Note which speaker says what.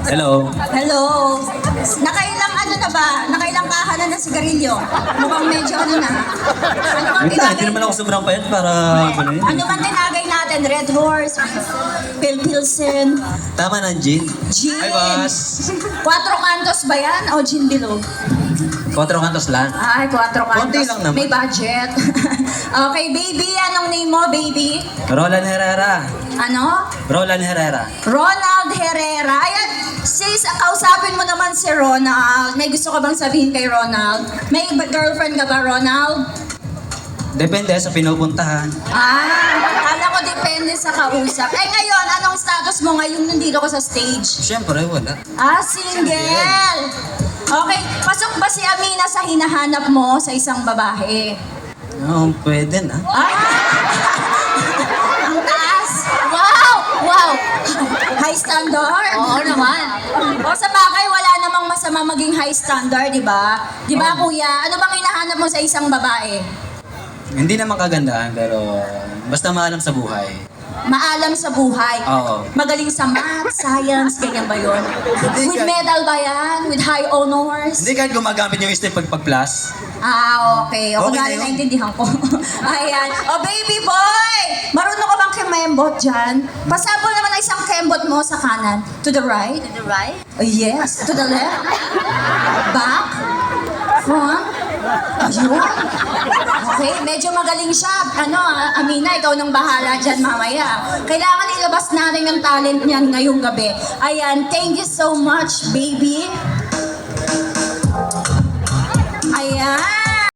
Speaker 1: Hello.
Speaker 2: Hello. Nakailang ano na ba? Nakailang kahanan ng sigarilyo? Mukhang medyo ano na. Ano bang
Speaker 1: Hindi
Speaker 2: tinagay?
Speaker 1: naman ako sobrang payat para ano yun.
Speaker 2: Ano bang tinagay natin? Red Horse, Pilsen,
Speaker 1: Tama na, Gin.
Speaker 2: Gin.
Speaker 1: Hi, boss.
Speaker 2: Quatro Cantos ba yan? O Gin Bilog?
Speaker 1: 4 kantos lang.
Speaker 2: Ay, Quatro Cantos.
Speaker 1: Konti lang naman.
Speaker 2: May budget. Okay, baby. Anong name mo, baby?
Speaker 1: Roland Herrera.
Speaker 2: Ano?
Speaker 1: Roland Herrera.
Speaker 2: Ronald Herrera. Ayan, sis, kausapin mo naman si Ronald. May gusto ka bang sabihin kay Ronald? May girlfriend ka ba, Ronald?
Speaker 1: Depende sa pinupuntahan.
Speaker 2: Kala ko depende sa kausap. Eh ngayon, anong status mo ngayon nandito ko sa stage?
Speaker 1: Siyempre, wala.
Speaker 2: Single! Okay, pasok ba si Amina sa hinahanap mo sa isang babae?
Speaker 1: Oo, pwede na.
Speaker 2: Ay! Ang taas! Wow! Wow! High standard? Oo naman. O sa bagay, wala namang masama maging high standard, di ba? Di ba, kuya? Ano bang hinahanap mo sa isang babae?
Speaker 1: Hindi naman kagandahan, pero basta maalam sa buhay.
Speaker 2: Maalam sa buhay.
Speaker 1: Oo.
Speaker 2: Magaling sa math, science, ganyan ba yun? With medal ba yan? With high honors?
Speaker 1: Hindi kahit gumagamit yung step pag-plus.
Speaker 2: Okay. O,
Speaker 1: Okay
Speaker 2: kung
Speaker 1: na yun.
Speaker 2: naintindihan ko. Ayan. O, baby boy! Marunong ka bang kemembot dyan? Pasabol naman ang isang kembot mo sa kanan. To the right?
Speaker 3: To the right?
Speaker 2: Yes. To the left? Back? Front? Ayun. Okay, medyo magaling siya. Amina, ikaw nang bahala dyan mamaya. Kailangan ilabas natin yung talent niyan ngayong gabi. Ayan, thank you so much, baby. Ayan.